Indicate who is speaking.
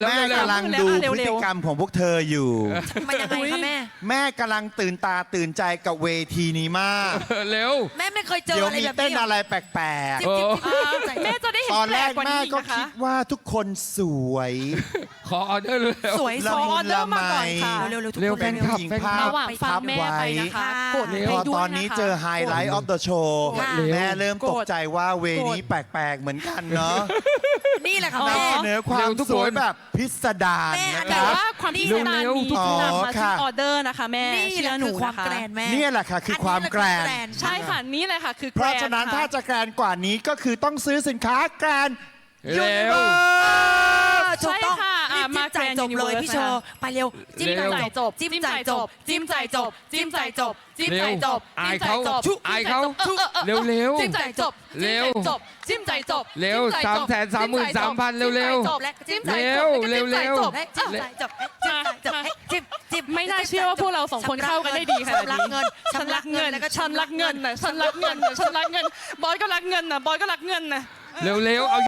Speaker 1: แม่กำลังดูพฤติกรรมของพวกเธออยู่
Speaker 2: มันยังไงคะแม่
Speaker 1: แม่กำลังตื่นตาตื่นใจกับเวทีนี้มาก
Speaker 3: เร็ว
Speaker 2: แม่ไม่เคยเจอ
Speaker 1: เดี๋ยว
Speaker 2: อะไร
Speaker 1: มี
Speaker 2: แบบ
Speaker 1: เต้น
Speaker 2: นี้
Speaker 1: อะไรแปลก
Speaker 2: จิ๊บจิ๊บจิ๊บจิ๊บ
Speaker 4: แม่จะได้เห็
Speaker 1: ๆ
Speaker 4: น
Speaker 1: ตอน
Speaker 4: แป
Speaker 1: แร
Speaker 4: ลก
Speaker 1: ก
Speaker 4: กว่า
Speaker 1: แม่
Speaker 4: นี้อีก
Speaker 1: ก็
Speaker 4: นะคะ
Speaker 1: คิดว่าทุกคนสวย
Speaker 3: ขอออเดอร์เร็ว
Speaker 2: สวย
Speaker 1: ละ
Speaker 2: ส
Speaker 1: มุ
Speaker 2: อน
Speaker 4: เดอ
Speaker 1: ละ
Speaker 4: ร์
Speaker 1: ไม
Speaker 4: มาก่อนค่ะ
Speaker 2: เร็วๆทุก
Speaker 3: เร็ว
Speaker 2: คน
Speaker 3: เป็น
Speaker 1: ผู้หญิงภาพ
Speaker 4: ระหว่างฟังแม่ไปนะคะ กด
Speaker 3: เร็ว
Speaker 4: ไป
Speaker 1: พอ
Speaker 4: ด้วย
Speaker 1: ตอนนี้
Speaker 4: นะคะ
Speaker 1: เจอไฮไลท์ออฟเดอะโชว์
Speaker 2: ค่ะ
Speaker 1: แม่เริ่มตกใจว่าเวนี้แปลกๆเหมือนกันเนาะ
Speaker 2: นี่แหละค่ะ
Speaker 1: นำ
Speaker 2: แม่
Speaker 1: เสนอความ
Speaker 3: เร็วทุก
Speaker 1: สวย
Speaker 3: คน
Speaker 1: แบบพิสดาร
Speaker 2: แม่
Speaker 1: นะค
Speaker 4: แต่
Speaker 1: รับ
Speaker 4: ว่าความพิสดาร
Speaker 3: เร็ว
Speaker 4: นี้
Speaker 1: อ๋อน
Speaker 4: ำมาที่
Speaker 1: ค่ะ
Speaker 4: ออเดอร์นะคะแม่
Speaker 2: นี่
Speaker 4: เชื่
Speaker 2: แห
Speaker 4: อ
Speaker 2: ละ
Speaker 4: หนู
Speaker 2: คือความ
Speaker 4: นะคะ
Speaker 2: แกรนแม่
Speaker 1: เนี่ยแหละค่ะคือความแกรน
Speaker 4: ใช่ค่ะนี่เลยค่ะคือ
Speaker 1: เพราะฉะนั้น
Speaker 4: แกร
Speaker 1: ถ้าจะแกรนกว่านี้ก็คือต้องซื้อสินค้าแกรน
Speaker 3: เร็ว
Speaker 2: ถูกต้อง
Speaker 4: ใช่ค่ะ
Speaker 2: รีบ
Speaker 4: มา
Speaker 2: จ่ายจบเลย
Speaker 4: Grand
Speaker 2: พี่โชว์ไปเร็วจิ้ม
Speaker 3: เร็
Speaker 2: จ่ายว จบจิ้มจ่ายจบจิ้มจ่ายจบจิ้มจ่ายจบ
Speaker 4: จิ้มใจจบ
Speaker 3: อายเขา
Speaker 4: จิ้มใจจบ
Speaker 3: อายเขาเร็วเร็ว
Speaker 4: จิ้มใจจบ
Speaker 3: เร็ว
Speaker 4: จิ้มใจจบ
Speaker 3: เร็ว
Speaker 4: จิ้มใจจบ
Speaker 3: 333,000เร็วๆ
Speaker 4: จบและจิ้มใจ
Speaker 3: เร็
Speaker 4: จ
Speaker 3: ว
Speaker 4: บ
Speaker 3: เร็ว
Speaker 4: จิ้มใจจบ
Speaker 2: ให้จิ้มจ่ายจบให้จิ้มจ่ายจบให้จิ้มจิ้ม
Speaker 4: ไม่น่าเชื่อว่าพวกเราสองคนเข้ากันได้ดีขนาดนี้
Speaker 2: ชำระเงิน
Speaker 4: ฉันรักเงิน
Speaker 2: แล้วก็
Speaker 4: ฉันรักเงินนะฉันรักเงินนะฉันรักเงินบอยก็รักเงินนะบอยก็รักเงินนะ
Speaker 3: เร็วเร็วเอา